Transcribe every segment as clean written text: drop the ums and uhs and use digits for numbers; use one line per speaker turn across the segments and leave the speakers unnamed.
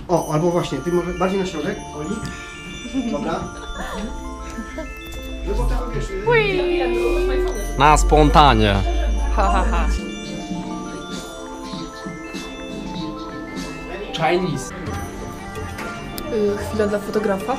O, albo właśnie, ty może bardziej na środek, Oli. Dobra. No bo tam wiesz...
Na spontanie.
Ha, ha, ha.
Chinese.
Chwila dla fotografa.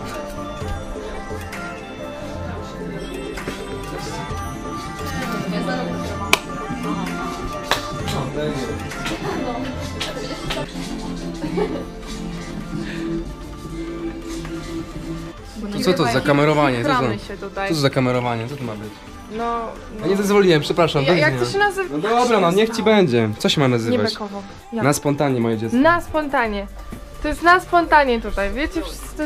To co to za kamerowanie? Co to?
Się tutaj.
Co to za kamerowanie? Co to ma być?
No.
Ja nie zezwoliłem, przepraszam.
Jak to się nazywa?
No dobra, no niech ci będzie. Co się ma
Nie
nazywać?
bekowo.
Na spontanie, moje dziecko.
Na spontanie. To jest na spontanie tutaj. Wiecie,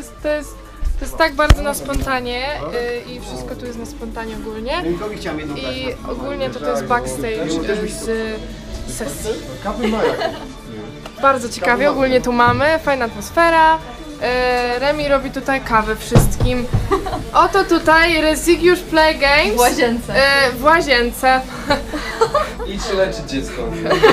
to jest tak bardzo na spontanie i wszystko tu jest na spontanie ogólnie.
Rynkowi chciałem jedną dać.
I ogólnie to jest backstage z sesji.
Kapy mają.
Bardzo ciekawie, ogólnie tu mamy, fajna atmosfera. Remi robi tutaj kawę wszystkim. Oto tutaj Rezygiusz Play Games.
W łazience.
W łazience.
Idź się leczyć, dziecko.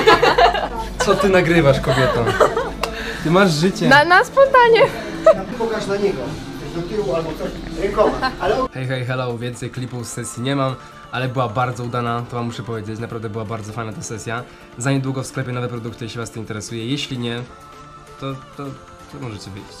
Co ty nagrywasz, kobieto? Ty masz życie.
Na spontanie.
Pokaż na niego. Coś do tyłu albo coś rękoma. Ale...
Hej, hello, więcej klipów z sesji nie mam, ale była bardzo udana, to wam muszę powiedzieć, naprawdę była bardzo fajna ta sesja. Za niedługo w sklepie nowe produkty, jeśli was to interesuje, jeśli nie, to możecie wyjść.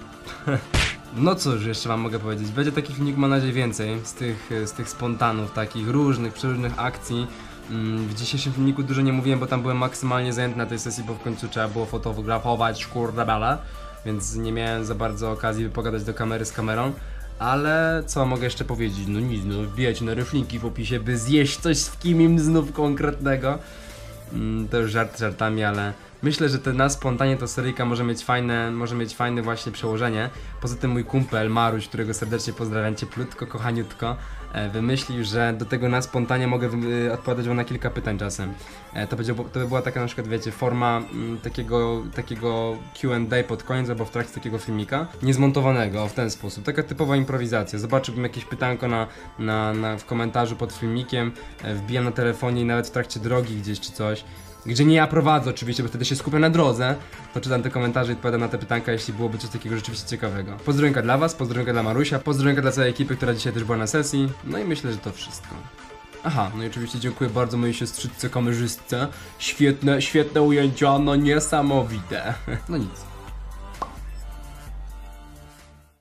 No cóż, jeszcze wam mogę powiedzieć, będzie takich filmików, mam nadzieję, więcej z tych spontanów, takich różnych, przeróżnych akcji. W dzisiejszym filmiku dużo nie mówiłem, bo tam byłem maksymalnie zajęty na tej sesji, bo w końcu trzeba było fotografować, kurde bala, więc nie miałem za bardzo okazji pogadać do kamery z kamerą. Ale co mogę jeszcze powiedzieć? No nic, no wbijajcie na reflinki w opisie, by zjeść coś z kimim znów konkretnego. To już żart żartami, ale myślę, że na spontanie to seryjka może mieć fajne właśnie przełożenie. Poza tym mój kumpel Maruś, którego serdecznie pozdrawiam cieplutko, kochaniutko, wymyślił, że do tego na spontanie mogę odpowiadać wam na kilka pytań czasem. To by była taka na przykład, wiecie, forma takiego Q&A pod koniec albo w trakcie takiego filmika, niezmontowanego w ten sposób, taka typowa improwizacja. Zobaczyłbym jakieś pytanko w komentarzu pod filmikiem, wbijam na telefonie i nawet w trakcie drogi gdzieś czy coś, gdzie nie ja prowadzę oczywiście, bo wtedy się skupiam na drodze, to czytam te komentarze i odpowiadam na te pytanka, jeśli byłoby coś takiego rzeczywiście ciekawego. Pozdrowionka dla was, pozdrowionka dla Marusia, pozdrowionka dla całej ekipy, która dzisiaj też była na sesji, no i myślę, że to wszystko. Aha, no i oczywiście dziękuję bardzo mojej siostrzyczce kamerzystce, świetne ujęcia, no niesamowite. No nic.